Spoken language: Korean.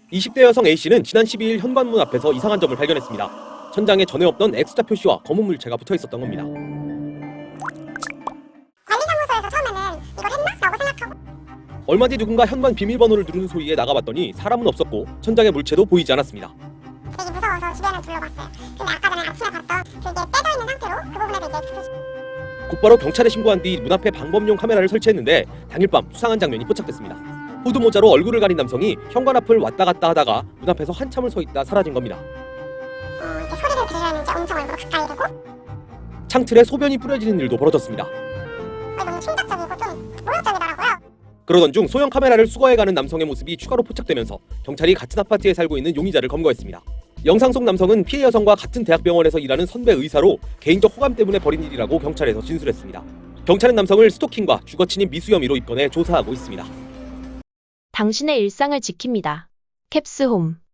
20대 여성 A씨는 지난 12일 현관문 앞에서 이상한 점을 발견했습니다. 천장에 전에 없던 X자 표시와 검은 물체가 붙어 있었던 겁니다. 관리사무소에서 처음에는 이걸 했나? 라고 생각하고 얼마 뒤 누군가 현관 비밀번호를 누르는 소리에 나가봤더니 사람은 없었고 천장의 물체도 보이지 않았습니다. 되게 무서워서 주변을 둘러봤어요. 근데 아까 전에 아침에 봤던 그게 빼져 있는 상태로 그 부분에도 이제 X 곧바로 경찰에 신고한 뒤 문 앞에 방범용 카메라를 설치했는데 당일 밤 수상한 장면이 포착됐습니다. 후드 모자로 얼굴을 가린 남성이 현관 앞을 왔다 갔다 하다가 문 앞에서 한참을 서 있다 사라진 겁니다. 이렇게 소리를 들으려면 이제 엄청 얼굴 가까이 대고 창틀에 소변이 뿌려지는 일도 벌어졌습니다. 너무 충격적이고 좀 모욕적이더라고요. 그러던 중 소형 카메라를 수거해가는 남성의 모습이 추가로 포착되면서 경찰이 같은 아파트에 살고 있는 용의자를 검거했습니다. 영상 속 남성은 피해 여성과 같은 대학병원에서 일하는 선배 의사로 개인적 호감 때문에 벌인 일이라고 경찰에서 진술했습니다. 경찰은 남성을 스토킹과 주거침입 미수 혐의로 입건해 조사하고 있습니다. 당신의 일상을 지킵니다. 캡스홈